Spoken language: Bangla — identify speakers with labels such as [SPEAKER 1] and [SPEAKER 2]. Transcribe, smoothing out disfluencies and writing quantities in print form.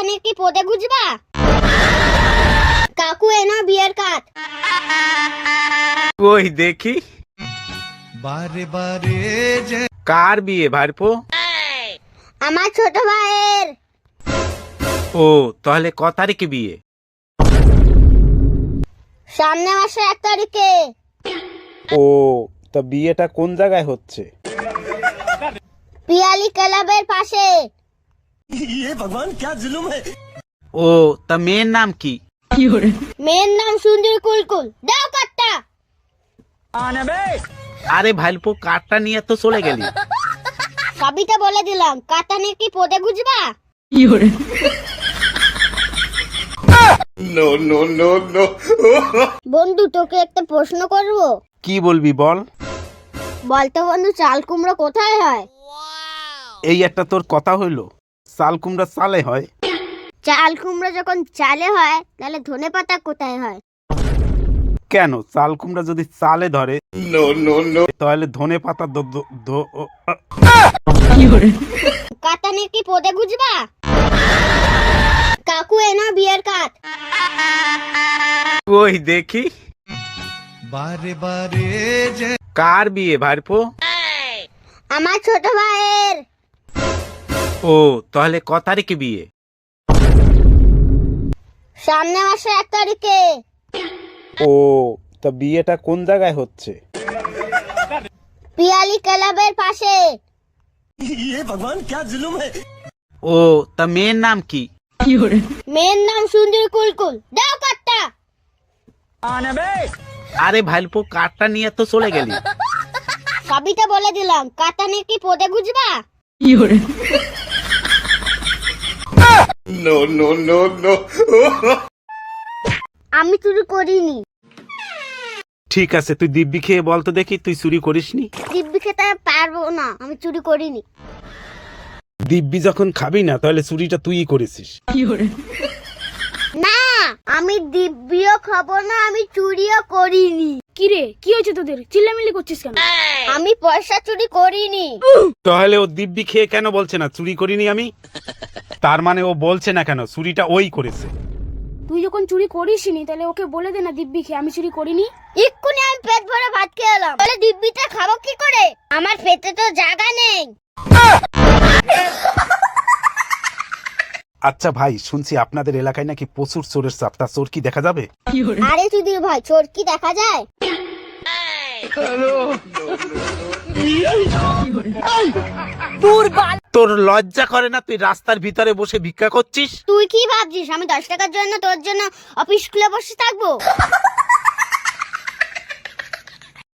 [SPEAKER 1] কাতানের কি পদে গুজবা? কাকু এনো বিয়ের কাত।
[SPEAKER 2] কই দেখি।
[SPEAKER 3] বারে বারে যে
[SPEAKER 2] কার বিয়ে ভাইপো?
[SPEAKER 1] আমার ছোট ভাইয়ের।
[SPEAKER 2] ও তাহলে ক তারিখে বিয়ে?
[SPEAKER 1] সামনে মাসে 1 তারিখে।
[SPEAKER 2] ও তা বিয়েটা কোন জায়গায় হচ্ছে?
[SPEAKER 1] পিয়ালি ক্লাবের পাশে।
[SPEAKER 2] ও তা মেয়ের নাম কি?
[SPEAKER 1] মেয়ের নাম সুন্দরী কুলকুল। দাও কাটটা।
[SPEAKER 2] আরে ভাইপো কারটা নিয়ে তো চলে গেলি।
[SPEAKER 1] সবিতা বলে দিলাম, কাতানের কি পদে গুজবা? বন্ধু তোকে একটা প্রশ্ন করব।
[SPEAKER 2] কি বলবি বল।
[SPEAKER 1] বলতো বন্ধু, চাল কুমড়ো কোথায় হয়?
[SPEAKER 2] এই একটা তোর কথা হইলো, চাল কুমড়া চালে হয়।
[SPEAKER 1] চাল কুমড়ো যখন চালে হয় তাহলে ধনেপাতা কোথায় হয়?
[SPEAKER 2] কেন চাল কুমড়া যদি চালে ধরে তাহলে ধনে পাতা
[SPEAKER 1] কাতানের কি পদে গুজবা? কাকু এনো বিয়ের কাত।
[SPEAKER 2] কই দেখি।
[SPEAKER 3] বারে বারে যে
[SPEAKER 2] কার বিয়ে ভাইপো?
[SPEAKER 1] আমার ছোট ভাইয়ের।
[SPEAKER 2] ও তাহলে ক তারিখে বিয়ে?
[SPEAKER 1] সামনে মাসে 1 তারিখে।
[SPEAKER 2] ও তা বিয়েটা কোন জায়গায় হচ্ছে?
[SPEAKER 1] পিয়ালি ক্লাবের পাশে।
[SPEAKER 2] ও তা মেয়ের নাম কি?
[SPEAKER 1] মেয়ের নাম সুন্দরী কুলকুল। দাও কাটটা।
[SPEAKER 2] আরে ভাইপো কারটা নিয়ে তো চলে গেলি।
[SPEAKER 1] সবিতা বলে দিলাম, কাতানের কি পদে গুজবা? আমি চুরি করিনি।
[SPEAKER 2] ঠিক আছে তুই দিব্যি খেয়ে বল তো দেখি তুই চুরি করিসনি।
[SPEAKER 1] দিব্যি খেতে পারবো না, আমি চুরি করিনি।
[SPEAKER 2] দিব্যি যখন খাবি না তাহলে চুরিটা তুইই করেছিস।
[SPEAKER 1] না, আমি দিব্যিও খাবো না, আমি চুরিও করিনি।
[SPEAKER 4] কিরে কি হয়েছে তোদের, চিল্লামিল্লি করছিস কেন?
[SPEAKER 1] আমি পয়সা চুরি করিনি।
[SPEAKER 2] তাহলে ও দিব্যি খেয়ে কেন বলছে না চুরি করিনি আমি? তার মানে ও বলছে না কেন চুরিটা ওই করেছে?
[SPEAKER 4] তুই যখন চুরি করিসনি তাহলে ওকে বলে দে না দিব্যি খেয়ে আমি চুরি করিনি।
[SPEAKER 1] এক্ষুনি আমি পেট ভরে ভাত খেয়ে এলাম, তাহলে দিব্যিটা খাবো কি করে? আমার পেটে তো জায়গা নেই।
[SPEAKER 2] আচ্ছা ভাই, শুনছি আপনাদের এলাকায় নাকি প্রচুর চোরের চাপ, তা চোর কি দেখা যাবে?
[SPEAKER 1] আরে সুধীর ভাই, চোর কি দেখা যায়?
[SPEAKER 2] তোর লজ্জা করে না? তুই রাস্তার ভিতরে বসে ভিক্ষা করছিস।
[SPEAKER 1] তুই কি ভাবছিস আমি 10 টাকার জন্য তোর জন্য অফিস খুলে বসে থাকবো?